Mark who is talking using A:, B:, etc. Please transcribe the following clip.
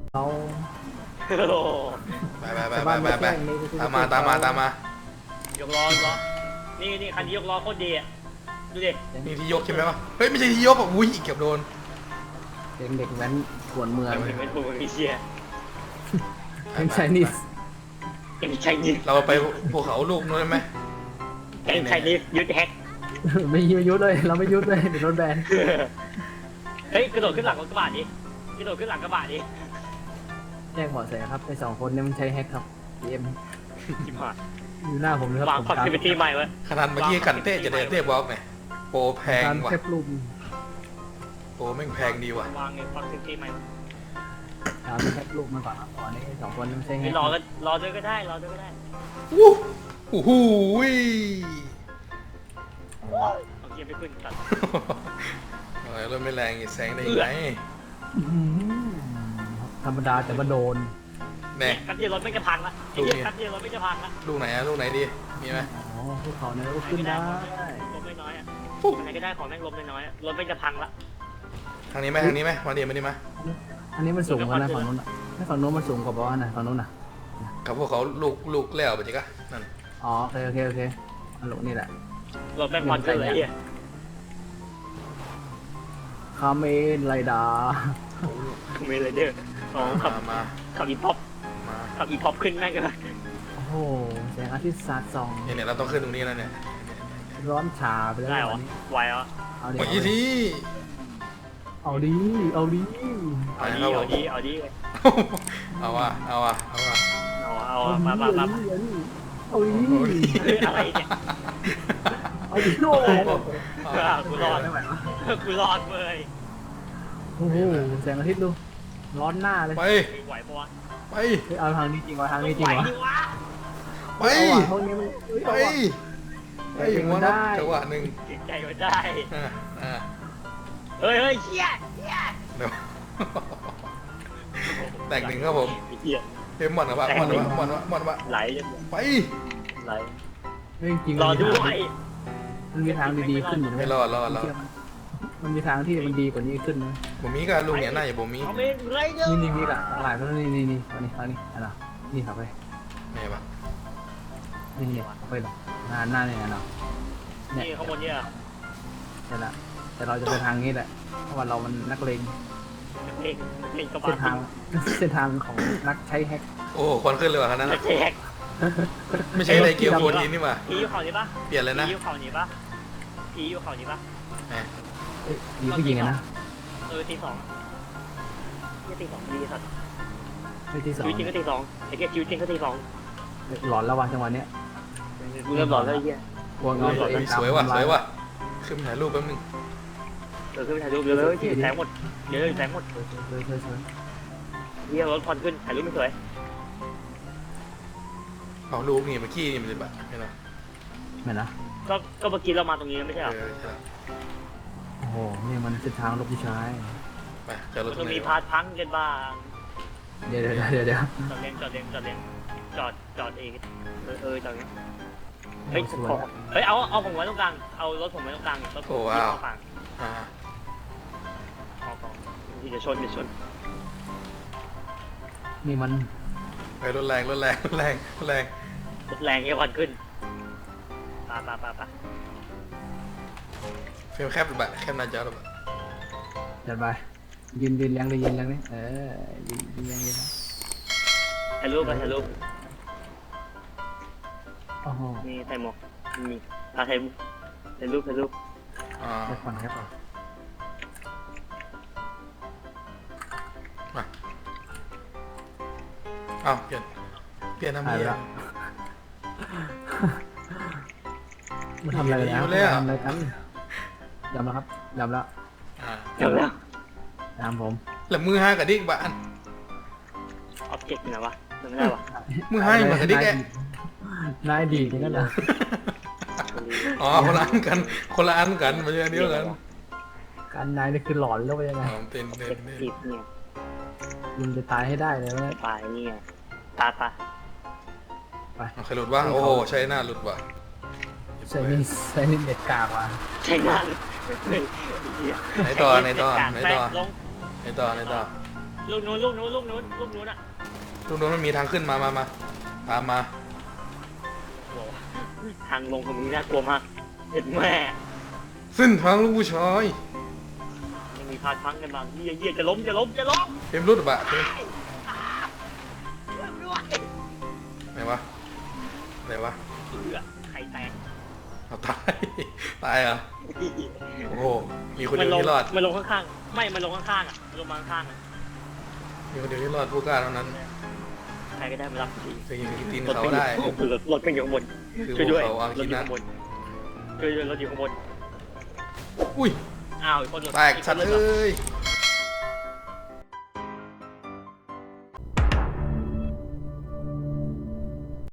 A: เรา
B: โอ้
C: ไปตามมาย
B: กล้อยกล้อนี่คันนี้ยกล้อโคตรดีอ่ะดูดิ
C: นี่ที่ยกใช่ไหมวะเฮ้ยไม่ใช่ที่ยกอ่ะอุ้ยเกือบโดน
A: เด็กแว้นขวนเมือง
B: เห็นเป็นปูมีเชีย
A: เป็นไชนีส
B: เป็นไชนีส
C: เราไปภูเขาลูกนู้นได้ไหม
B: เป็นไชนีสยึดแฮก
A: ไม่ยุดเลยเราไม่ยุดเลยเดี๋ยวโดนแบน
B: เฮ้ยกระโดดขึ้นหลังรถกระบะดิกระโดดขึ้นหลังกระบะดิ
A: แจ้งเบาะแสครับไอ้2 คนเนี่ยมันใช้แฮกครับเอ็ม
B: จิ๋มหาย
A: อยู่หน้าผมเลยครับ
B: วางคอนเทนต์ใหม่ไว้
C: ขนาดเมื่อกี้กันเต้จะเดินเต้บล็อกเนี่ยโปรแพง
A: การ
C: ว่ะ
A: แคปรูป
C: โปรแม่งแพงดีว่ะ
B: วางในคอนเทนต์ใหม่
A: การแคปรูปมาก่อนครับก่อนนี้2 คนมันใช้แฮ
B: ไม่
A: ก
B: รอด้วยก็ได้รอด้วยก็ได้
C: อู้หูย
B: เอาเกียร์ไม่ขึ้นตัด
C: อะไรรถไม่แรงแซงได้ยังไง
A: ธรรมดาแต่ว่าโดน
C: แน่
B: กันเดียวรถไม่จะพังละกันเดียวรถไม่จะพังละ
C: ลูกไหนอะลูกไหนดีมีไหม
A: อ๋อพวกเขาเนี่ยก็ขึ้นได้
B: ลมน้อยอ่ะอะไรก็ได้ของแม่งลมน้อยรถไม่จะพังละ
C: ทางนี้ไหมมาดีมา
A: อันนี้มันสูงกว่านะฝั่งนู้นถ้าฝั่งนู้นมันสูงกว่าบ้านนะฝั่งนู้นนะ
C: กับพวกเขาลูกแล้วไปจิกะนั่น
A: อ๋อโอเคอันหลงนี่แหละ
B: รถแม่งควันขึ้นเลยเฮีย
A: คาเมนไรดา
B: ไม่เลยเด้ออ๋อขับ
C: มา
B: ขับอีพ็อปขับอีพ็อปขึ้นแม่งเลย
A: โอ้โหแสงอาทิตย์สาดส่อง
C: เนี่ยเราต้องขึ้นตรงนี้แล้วเนี่ย
A: ร้อนชาไปแล้ว
B: ได้เหรอ
A: วันนี้
B: ไหวเหรอ
A: เอาดิ
C: เมื่อกี้ที
A: เอาดี
B: เอาดี
C: เอาว่ะ
B: เอามา
A: เอาดี
B: อะไรเนี่ย
A: เอาดีโน่
B: กูรอดเลย
A: โอ้โหแสงอาทิตย์ดูร้อนหน้าเลย
C: ไป
B: ไหวปะวะ
C: ไป
A: เฮ้ยเอาทางนี้จริงวะทางนี้จริ
B: ไหว
A: งวะ
B: ดิวะ
C: ไป
A: เอาว่ะห้องนี้มัน
C: ไป
A: เอาว่ะ
C: หัวนะจังหวะหนึ่ง
B: ใจมันได้ เฮ้ยเชี่ย
C: เดี๋ยวแตกหนึ่งครับผม
B: เหี้ย
C: เฮ้ยหมดวะ
B: ไหล
C: ไป
B: ไหล
A: เฮ้ยจริง
B: รอด้วย
A: มันมีทางดีๆขึ้นอยู่นะ
C: ไม่รอด
A: มันมีทางที่มันดีกว่านี้ขึ้นนะ
C: ผมมีกับลุงเนี่ยน่าอย่าผมมี
B: เอาเมนไรเดอร์
A: นี่ละหลายคนนี่เอานี่อะไรนี่ขับไป
C: ไงปะ
A: นี่ขับไปหรอหน้าเนี่ยเนาะ
B: นี่ข้างบนเนี่ย
A: นี่แหละแต่เราจะไปทางนี้แหละเพราะว่าเรามันนักเลง
B: เพลงกระบะ
A: เส้นทางของนักใช้แฮก
C: โอ้ควันขึ้นเลยว่ะคันนั้น
B: แจก
C: ไม่ใช่อะไรเกี่ยวกับคนนี้นี่มา
B: ผีอยู่เขานี้ปะ
C: เปลี่ยนเลยนะ
B: ผีอยู่เขานี้ปะผีอยู่เขานี้ปะ
A: มีผู้หญิงนะ
B: ตีสองนี่ตีสองดีสัตว์
A: ที่สอง
B: ชีวิตจริงก็ตีสองไอ้แค่ชีวิตจริงก็ตีสอง
A: หลอนระหว่างจังหวะนี้
B: กูเริ่มหลอนแล้วไอ้เหี้ย
A: กลัวเงาตัวเอง
C: สวยว่ะขึ้นถ่ายรูปแป๊บนึง
B: ขึ้นไปถ่ายรูปเดี๋ยวเลยแสงหมดเดี๋ยวเลยแสงหมด
A: สวย
B: เฮียรถควันขึ้นถ่ายรูปไม่สวย
C: เอาลูกนี่เมื่อกี้นี่มันเลยแบบไม่นะ
A: เหมือนนะ
B: ก็เมื่อกี้เรามาตรงนี้ไม่ใช่หรอ
C: ใช่
A: โอ้โหนี่มันเส้นทางลบผู้ชาย
C: ไปจะรถ
B: มันมีพาร์ทพังกันบ้าง
A: เดี๋ยว
B: จอดเลี้ยงจอดเองจอดเองเฮ้ยเฮ้ยเอาผมไว้ตรงกลางเอารถผมไว้ตรงกลางรถผมที่เข้าฝั่ง ที่จะชน
A: นี่มัน
C: ไปรถแรง
B: รถแรงเงี้ยควันขึ้นปะ
C: เฟรมแคบแบบแคบหน้าจอแบบ
A: จัดไปยืนเลี้ยงเลยยืนเลี้ยงนี่ยืนเลี้ยง
B: ถ่ายรูปไปถ่ายรูป
A: โอ้โห
B: นี่ใส่หมวกมีถ่ายรูป
A: แค่ก่อนแค่ก่อน
C: มาเอาเปลี่ยนน้ำ
A: ถ่าย
C: เยี่ย
A: ละมาทำอะไรกันนะทำอะไรกันยำแล้วครับยำแล้ว
B: เดี๋ยวแล้ว
A: ตามผม
C: แล้วมือห้ากับดิ๊กบ้าน
B: ออบเจกต์นะวะไม่ได้วะ
C: มือห้าเหมือนกับดิ๊กแก
A: นายดีจริงๆนะ
C: อ๋อคนละอันกันไม่ใช่อันเดียวกัน
A: การนายนี่คือหลอนแล้วไปยังไง
C: เป็น
B: จีบเนี่ย
A: มึงจะตายให้ได้เลยนะ
B: ปลายนี่ไงปะ
C: ใครหลุดวะโอ้โหใช่หน้าหลุดว่ะ
A: ใส่นี่เด็ดกากว่ะ
B: ใช่งาน
C: ไหนต่อ
B: ลง
C: ไหนต่อ
B: ลูกนู้นอ่ะ
C: ลูกนู้นมันมีทางขึ้นมาตามมา
B: โอ้ทางลงตรงนี้น่ากลัวมากเห็นแม่
C: เส้นทางลูกผู้ชาย
B: ยังมีพาดพังกันบางเยี่ยจะล้ม
C: เต็มรุดบะเต็ม
B: ด้วย
C: ไหนวะ
B: ไข่แตก
C: เอาตายเหรอโอ้โหมีคนเดียวที่รอด
B: มันลงข้างๆไม่มันลงข้างๆอ่ะลงมาข้างๆอ่ะ
C: มีคนเดียวที่รอดผู้กล้าเท่านั้น
B: ใครก็ได้มารับที
C: จะยิงตีนเขาได้
B: รถเป็นอยู่ข้างบน
C: คือ
B: ช่วยด้วย
C: พวกเขาอาคิ
B: รถอยู่
C: นะ
B: ข้างบนช่วยด้วยรถอยู่ข้างบน
C: อุ้ย
B: อ้าวอีกคน
C: แตกสัตว์เอ้ย